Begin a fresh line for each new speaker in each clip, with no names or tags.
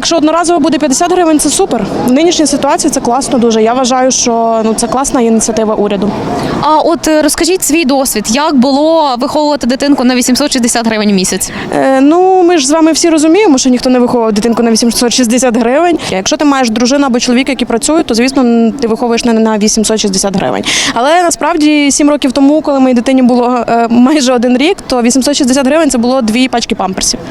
якщо одноразово буде 50 гривень, це супер. В нинішній ситуації це класно дуже. Я вважаю, що це класна ініціатива уряду.
А от розкажіть свій досвід, як було виховувати дитинку на 860 гривень в місяць?
Ми ж з вами всі розуміємо, що ніхто не виховує дитинку на 860 гривень. Якщо ти маєш дружину або чоловіка, які працюють, то, звісно, ти виховуєш не на 860 гривень. Але насправді 7 років тому, коли моїй дитині було майже 1 рік, то 860 гривень – це було 2 пачки памперсів.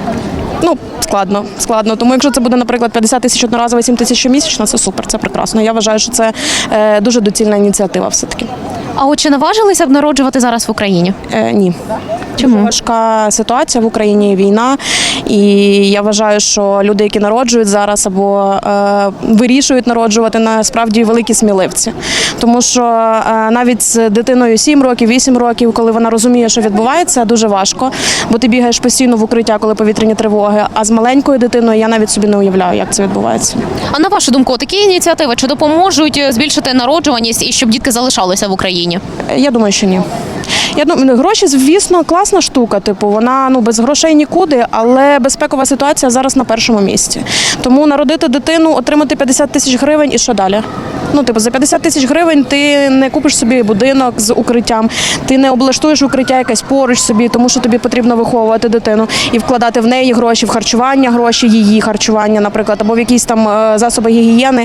Складно. Тому якщо це буде, наприклад, 50 тисяч одноразово, 7 тисяч щомісячно, це супер, це прекрасно. Я вважаю, що це дуже доцільна ініціатива все-таки.
А от чи наважилися б народжувати зараз в Україні?
Ні.
Чому?
Дуже важка ситуація в Україні, війна, і я вважаю, що люди, які народжують зараз або вирішують народжувати, насправді великі сміливці. Тому що навіть з дитиною 7 років, 8 років, коли вона розуміє, що відбувається, дуже важко, бо ти бігаєш постійно в укриття, коли повітряні тривоги, а з маленькою дитиною я навіть собі не уявляю, як це відбувається.
А на вашу думку, такі ініціативи чи допоможуть збільшити народжуваність і щоб дітки залишалися в Україні?
Я думаю, що ні. Я думаю, гроші, звісно, класна штука, вона без грошей нікуди, але безпекова ситуація зараз на першому місці. Тому народити дитину, отримати 50 тисяч гривень і що далі? За 50 тисяч гривень ти не купиш собі будинок з укриттям, ти не облаштуєш укриття якесь поруч собі, тому що тобі потрібно виховувати дитину і вкладати в неї гроші, в харчування гроші, її харчування, наприклад, або в якісь там засоби гігієни.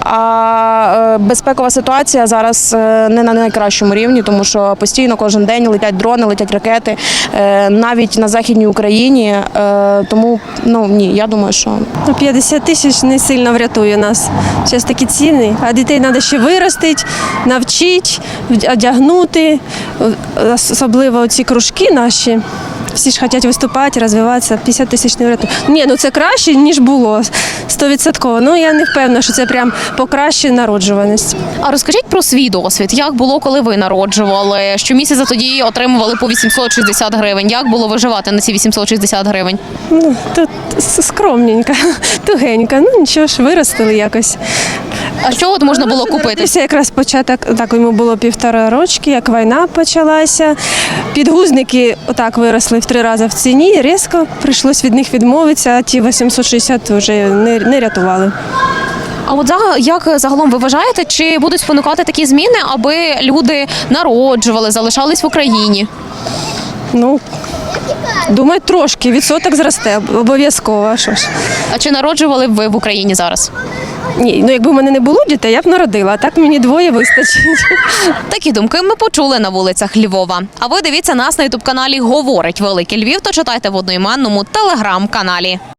А безпекова ситуація зараз не на найкращому рівні, тому що постійно кожен день летять дрони, летять ракети, навіть на Західній Україні. Тому, ні, я думаю, що...
50 тисяч не сильно врятує нас. Зараз такі ціни, а дітей треба ще виростити, навчити, одягнути, особливо ці кружки наші. Всі ж хочуть виступати, розвиватися, 50 тисяч не врятує. Ні, це краще, ніж було, 100%. Я не впевнена, що це прям покращує народжуваність.
А розкажіть про свій досвід. Як було, коли ви народжували? Щомісяця тоді отримували по 860 гривень. Як було виживати на ці 860 гривень?
Тут скромненько, тугенько. Нічого ж, виростили якось.
А що от можна було купити?
Народився якраз початок, так йому було 1,5 роки, як війна почалася. Підгузники отак виросли в 3 рази в ціні, різко прийшлось від них відмовитися, а ті 860 вже не рятували.
А от як загалом ви вважаєте, чи будуть спонукати такі зміни, аби люди народжували, залишались в Україні?
Думаю, трошки, відсоток зросте, обов'язково, а що ж.
А чи народжували б ви в Україні зараз?
Ні, якби в мене не було дітей, я б народила, а так мені 2 вистачить.
Такі думки ми почули на вулицях Львова. А ви дивіться нас на ютуб-каналі «Говорить Великий Львів» та читайте в одноіменному телеграм-каналі.